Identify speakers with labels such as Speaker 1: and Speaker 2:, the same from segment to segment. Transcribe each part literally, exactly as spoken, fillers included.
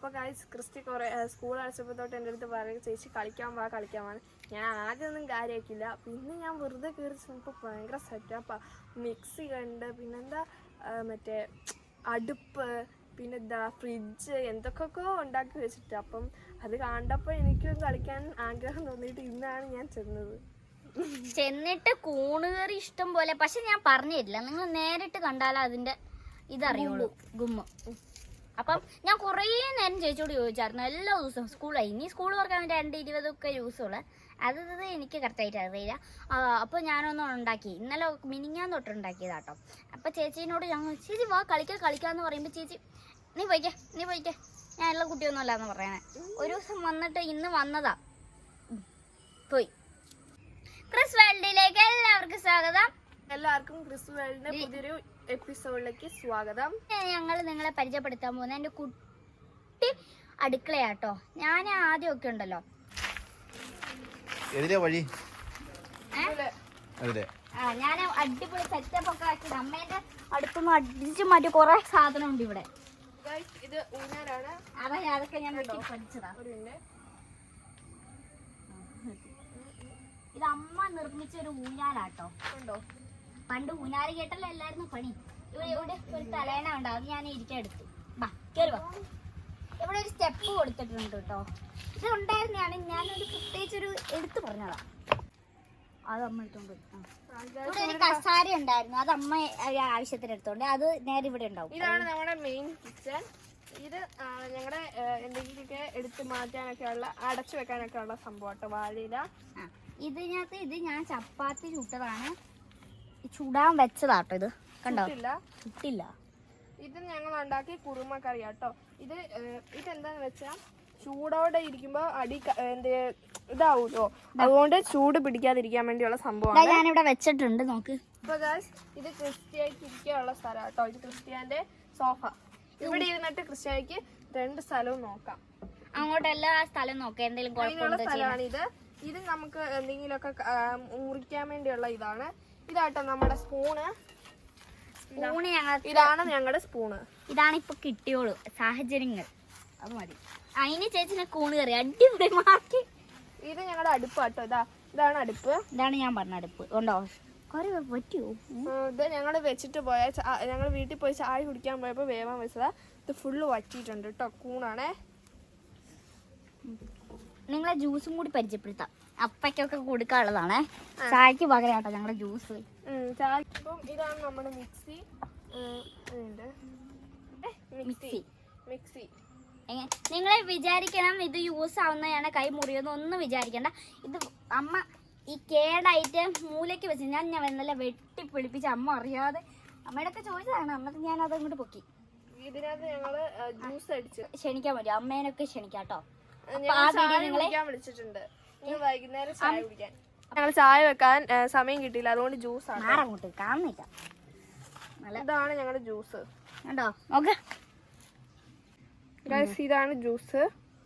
Speaker 1: അപ്പോൾ guys Christy കുറേ school അടച്ചപ്പോൾ തൊട്ട് എൻ്റെ അടുത്ത് പറയും ചേച്ചി കളിക്കാൻ വാ കളിക്കാൻ വാ. ഞാൻ ആദ്യമൊന്നും കാര്യമാക്കില്ല. പിന്നെ ഞാൻ വെറുതെ കയറി ചെന്നപ്പോൾ ഭയങ്കര സെറ്റപ്പാണ്. മിക്സി കണ്ട് പിന്നെന്താ മറ്റേ അടുപ്പ് പിന്നെന്താ ഫ്രിഡ്ജ് എന്തൊക്കെയൊക്കെ ഉണ്ടാക്കി വെച്ചിട്ട്. അപ്പം അത് കണ്ടപ്പോൾ എനിക്കും കളിക്കാൻ ആഗ്രഹം തോന്നിയിട്ട് ഇന്നാണ് ഞാൻ ചെന്നത്.
Speaker 2: ചെന്നിട്ട് കൂണുകറി ഇഷ്ടം പോലെ. പക്ഷെ ഞാൻ പറഞ്ഞില്ല, നിങ്ങൾ നേരിട്ട് കണ്ടാലേ അതിന്റെ ഇതറിയുള്ളൂ, ഗുമ്മ. അപ്പം ഞാൻ കുറേ നേരം ചേച്ചിയോട് ചോദിച്ചായിരുന്നു എല്ലാ ദിവസവും സ്കൂളായി. ഇനി സ്കൂൾ തുറക്കാൻ രണ്ട് ഇരുപതൊക്കെ ദിവസമുള്ള അത് ഇത് എനിക്ക് കറക്റ്റായിട്ട് അറിയില്ല. അപ്പോൾ ഞാനൊന്നും ഉണ്ടാക്കി, ഇന്നലെ മിനിങ്ങാൻ തൊട്ട് ഉണ്ടാക്കിയതാട്ടോ. അപ്പോൾ ചേച്ചീനോട് ഞങ്ങൾ ചേച്ചി വാ കളിക്കാൻ കളിക്കാമെന്ന് പറയുമ്പോൾ ചേച്ചി നീ പോയിക്കേ നീ പോയിക്കേ ഞാൻ എല്ലാ കുട്ടിയൊന്നും അല്ല എന്ന് പറയണേ. ഒരു ദിവസം വന്നിട്ട് ഇന്ന് വന്നതാ പോയി. ക്രിസ് വേൾഡിലേക്ക് എല്ലാവർക്കും സ്വാഗതം.
Speaker 1: എല്ലാവർക്കും ക്രിസ് വേൾഡിന്റെ പുതിയൊരു എപ്പിസോഡിലേക്ക് സ്വാഗതം.
Speaker 2: ഞങ്ങൾ നിങ്ങളെ പരിചയപ്പെടുത്താൻ പോകുന്നത് എൻ്റെ കുട്ടി അടുക്കളയാട്ടോ. ഞാൻ ആദ്യമൊക്കെ ഉണ്ടല്ലോ
Speaker 3: വഴി
Speaker 2: ആ ഞാൻ അടിപൊളി സെറ്റപ്പ് ഒക്കെ ആക്കിയത് അമ്മേന്റെ അടുത്തൊന്നും അടിച്ചു മാറ്റി കുറെ സാധനം ഉണ്ട് ഇവിടെ.
Speaker 1: ഇത് ഊഞ്ഞാലാണ്.
Speaker 2: അതാ അതൊക്കെ ഞാൻ പഠിച്ചതാ. ഇത് അമ്മ നിർമ്മിച്ച ഒരു ഊഞ്ഞാലാട്ടോ. ഉണ്ടോ പണ്ട് ഊഞ്ഞാല് കേട്ടല്ലോ എല്ലായിരുന്നു പണി. ഇവിടെ ഇവിടെ ഒരു തലേണ ഉണ്ടാവും, അത് ഞാൻ ഇരിക്കാൻ എടുത്തു. ബാ കേറി വാ. ഇവിടെ ഒരു സ്റ്റെപ്പ് കൊടുത്തിട്ടുണ്ട് കേട്ടോ. ഇത് ഉണ്ടായിരുന്നാണ് ഞാനൊരു പ്രത്യേകിച്ചൊരു എടുത്തു പറഞ്ഞതാ. അത് അമ്മ എടുത്തോണ്ട് ഇവിടെ ഒരു കസാര ഉണ്ടായിരുന്നു, അത് അമ്മ ആവശ്യത്തിന് എടുത്തോണ്ട് അത് നേരെ ഇവിടെ ഉണ്ടാവും.
Speaker 1: ഇതാണ് നമ്മുടെ മെയിൻ കിച്ചൺ. ഇത് ഞങ്ങളുടെ എന്തെങ്കിലുമൊക്കെ എടുത്ത് മാറ്റാനൊക്കെ ഉള്ള അടച്ചു വെക്കാനൊക്കെ ഉള്ള സംഭവം കേട്ടോ, വാഴയില.
Speaker 2: ഇതിനകത്ത് ഇത് ഞാൻ ചപ്പാത്തി ചുട്ടതാണ്, ചുടാൻ വെച്ചതാട്ടോ. ഇത് കണ്ടോ ചുട്ടില്ല.
Speaker 1: ഇത് ഞങ്ങൾ ഉണ്ടാക്കി കുറുമ കറി കേട്ടോ. ഇത് ഇതെന്താന്ന് വെച്ചാ ചൂടോടെ ഇരിക്കുമ്പോ അടി എന്ത് ഇതാവൂലോ, അതുകൊണ്ട് ചൂട് പിടിക്കാതിരിക്കാൻ വേണ്ടിയുള്ള സംഭവമാണ്.
Speaker 2: ഞാനിവിടെ വെച്ചിട്ടുണ്ട് നോക്ക്.
Speaker 1: അപ്പൊ ഗൈസ് ഇത് ക്രിസ്ത്യാനിക്ക് ഇരിക്കാനുള്ള സ്ഥലം കേട്ടോ. ഇത് ക്രിസ്ത്യാന്റെ സോഫ. ഇവിടെ ഇരുന്നിട്ട് ക്രിസ്ത്യാനിക്ക് രണ്ട് സ്ഥലവും നോക്കാം.
Speaker 2: അങ്ങോട്ട് എല്ലാ സ്ഥലവും നോക്കാം, എന്തെങ്കിലും
Speaker 1: അതിനുള്ള സ്ഥലമാണ് ഇത്. ഇത് നമുക്ക് എന്തെങ്കിലുമൊക്കെ മുറിക്കാൻ വേണ്ടിയുള്ള ഇതാണ്. ഇതാട്ടോ നമ്മുടെ സ്പൂണ്.
Speaker 2: സ്പൂണ്
Speaker 1: ഇതാണ് ഞങ്ങളുടെ സ്പൂണ്.
Speaker 2: ഇതാണ് ഇപ്പൊ കിട്ടിയോളൂ സാഹചര്യങ്ങൾ, അത് മതി. അതിന് ചേച്ചിനെ കൂണ് കറി അടിപൊളി മാറ്റി.
Speaker 1: ഇത് ഞങ്ങളുടെ അടുപ്പ് കേട്ടോ. ഇതാ ഇതാണ് അടുപ്പ്.
Speaker 2: ഇതാണ് ഞാൻ പറഞ്ഞ അടുപ്പ്. ഉണ്ടോ കറി പറ്റുമോ?
Speaker 1: ഇത് ഞങ്ങൾ വെച്ചിട്ട് പോയ ഞങ്ങൾ വീട്ടിൽ പോയി ചായ കുടിക്കാൻ പോയപ്പോൾ വേവാൻ വെച്ചതാ. ഇത് ഫുള്ള് വറ്റിയിട്ടുണ്ട് കേട്ടോ. കൂണാണേ.
Speaker 2: നിങ്ങളെ ജ്യൂസും കൂടി പരിചയപ്പെടുത്താം. അപ്പയ്ക്കൊക്കെ കൊടുക്കാനുള്ളതാണേ. ചായക്ക് പകരം കേട്ടോ ഞങ്ങളുടെ ജ്യൂസ്.
Speaker 1: അപ്പം ഇതാണ് നമ്മുടെ മിക്സി. മിക്സി മിക്സി
Speaker 2: നിങ്ങൾ വിചാരിക്കണം ഇത് യൂസ് ആവുന്നതാണ് കൈ മുറിയൊന്നും ഒന്നും വിചാരിക്കണ്ട. ഇത് അമ്മ ഈ കേടായിട്ട് മൂലയ്ക്ക് വെച്ച് ഞാൻ ഞാൻ നല്ല വെട്ടി പിടിപ്പിച്ച് അമ്മ അറിയാതെ അമ്മയുടെ ഒക്കെ ചോദിച്ചതാണ്. എന്നിട്ട് ഞാൻ അത് അങ്ങോട്ട് പൊക്കി.
Speaker 1: ഇതിനകത്ത് ഞങ്ങള് ജ്യൂസ് അടിച്ച്
Speaker 2: ക്ഷണിക്കാൻ പറ്റും, അമ്മേനൊക്കെ ക്ഷണിക്കാട്ടോ.
Speaker 1: വിളിച്ചിട്ടുണ്ട് വൈകുന്നേരം ചായ കുടിക്കാൻ. ഞങ്ങൾ ചായ വെക്കാൻ സമയം കിട്ടിയില്ല, അതുകൊണ്ട് ജ്യൂസ് ആണ്.
Speaker 2: അങ്ങോട്ട് കാണുന്നില്ല.
Speaker 1: ഇതാണ് ഞങ്ങളുടെ ജ്യൂസ്
Speaker 2: കണ്ടോ നോക്ക്.
Speaker 1: ഇതാണ് ജ്യൂസ്.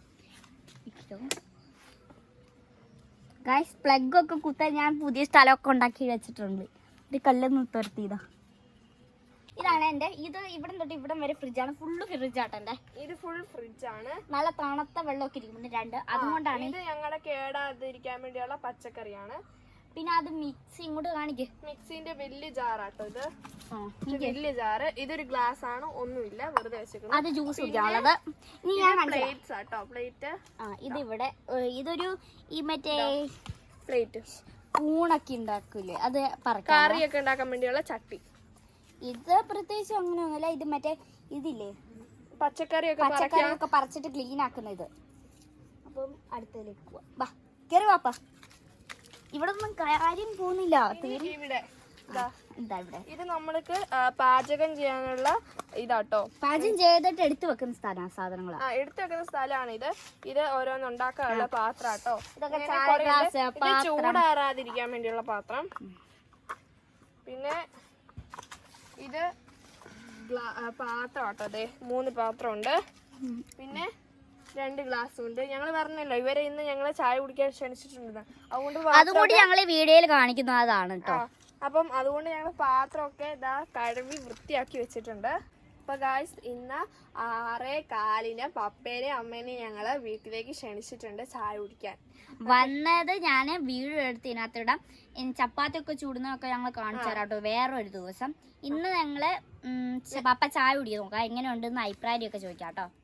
Speaker 2: ഗൈസ് പ്ലഗ് ഒക്കെ കുത്താൻ ഞാൻ പുതിയ സ്ഥലമൊക്കെ ഉണ്ടാക്കി വെച്ചിട്ടുണ്ട്. ഇത് കല്ലൊന്ന് തുരത്തിയതാ. ഇതാണ് എന്റെ. ഇത് ഇവിടെ തൊട്ട് ഇവിടം വരെ ഫ്രിഡ്ജാണ്, ഫുള്ള് ഫ്രിഡ്ജാട്ടോ എന്റെ.
Speaker 1: ഇത് ഫുൾ ഫ്രിഡ്ജാണ്.
Speaker 2: നല്ല തണുത്ത വെള്ളമൊക്കെ ഇരിക്കുന്നുണ്ട് രണ്ട്. അതുകൊണ്ടാണ്
Speaker 1: ഇത് ഞങ്ങളുടെ കേടാതിരിക്കാൻ വേണ്ടിയുള്ള പച്ചക്കറിയാണ്.
Speaker 2: പിന്നെ അത് മിക്സി ഇങ്ങോട്ട് കാണിക്ക്.
Speaker 1: മിക്സിന്റെ വലിയ ജാറാട്ടോ ഇത്. വലിയ ജാറ്. ഇതൊരു ഗ്ലാസ് ആണ്, ഒന്നുമില്ല, വെറുതെ വെച്ചേക്കുന്നത്.
Speaker 2: അത് ജ്യൂസ് കുടിക്കാനുള്ളത്. ഇനി ഞാൻ
Speaker 1: പ്ലേറ്റ്സ് ആട്ടോ. പ്ലേറ്റ്
Speaker 2: ഇത് ഇവിടെ ഇതൊരു ഈ മറ്റേ
Speaker 1: പ്ലേറ്റ്
Speaker 2: കൂണൊക്കെ ഉണ്ടാക്കൂലേ, അത്
Speaker 1: കറിയൊക്കെ ഉണ്ടാക്കാൻ വേണ്ടിയുള്ള ചട്ടി.
Speaker 2: ഇത് പ്രത്യേകിച്ച് അങ്ങനെ ഒന്നുമില്ല. ഇത് മറ്റേ ഇതില്ലേ
Speaker 1: പച്ചക്കറിയൊക്കെ
Speaker 2: പച്ചക്കറിയൊക്കെ പറിച്ചിട്ട് ക്ലീൻ ആക്കുന്ന ഇത്. അപ്പം അടുത്തതിലേക്ക് പോവാ. ബാ കേറി വാപ്പാ. ഇവിടെ ഒന്നും കാര്യം പോകുന്നില്ല.
Speaker 1: ഇവിടെ
Speaker 2: എന്താ ഇവിടെ
Speaker 1: ഇത് നമ്മൾക്ക് പാചകം ചെയ്യാനുള്ള ഇതാട്ടോ.
Speaker 2: പാചകം ചെയ്തിട്ട് എടുത്തു വെക്കുന്ന സ്ഥലം സാധനങ്ങൾ
Speaker 1: ആ എടുത്തു വെക്കുന്ന സ്ഥലമാണ് ഇത്. ഇത് ഓരോന്ന് ഉണ്ടാക്കാനുള്ള പാത്രാട്ടോ.
Speaker 2: ഇതൊക്കെ
Speaker 1: ചൂടാറാതിരിക്കാൻ വേണ്ടിയുള്ള പാത്രം. പിന്നെ ഇത് പാത്രം കേട്ടോ. അതെ മൂന്ന് പാത്രം ഉണ്ട്. പിന്നെ രണ്ട് ഗ്ലാസ്സും ഉണ്ട്. ഞങ്ങൾ പറഞ്ഞല്ലോ ഇവരെ ഇന്ന് ഞങ്ങളെ ചായ കുടിക്കാൻ ക്ഷണിച്ചിട്ടുണ്ട്, അതുകൊണ്ട്
Speaker 2: അതുകൊണ്ട് ഞങ്ങൾ വീഡിയോയിൽ കാണിക്കുന്നതാണ് കേട്ടോ.
Speaker 1: അപ്പം അതുകൊണ്ട് ഞങ്ങൾ പാത്രമൊക്കെ ഇതാ കഴുകി വൃത്തിയാക്കി വെച്ചിട്ടുണ്ട്. അപ്പൊ ഗായ്സ് ഇന്ന് ആറേ കാലിന് പപ്പേനെയും അമ്മേനെയും ഞങ്ങള് വീട്ടിലേക്ക് ക്ഷണിച്ചിട്ടുണ്ട് ചായ കുടിക്കാൻ.
Speaker 2: വന്നത് ഞാന് വീഡിയോ എടുത്ത് ഇതിനകത്തിടാം. ചപ്പാത്തി ഒക്കെ ചൂടുന്നതൊക്കെ ഞങ്ങൾ കാണിച്ചു തരാം കേട്ടോ വേറൊരു ദിവസം. ഇന്ന് ഞങ്ങള് പപ്പ ചായ കുടിക്കാൻ നോക്കാം, എങ്ങനെ ഉണ്ടെന്ന് അഭിപ്രായം ഒക്കെ ചോദിക്കാം കേട്ടോ.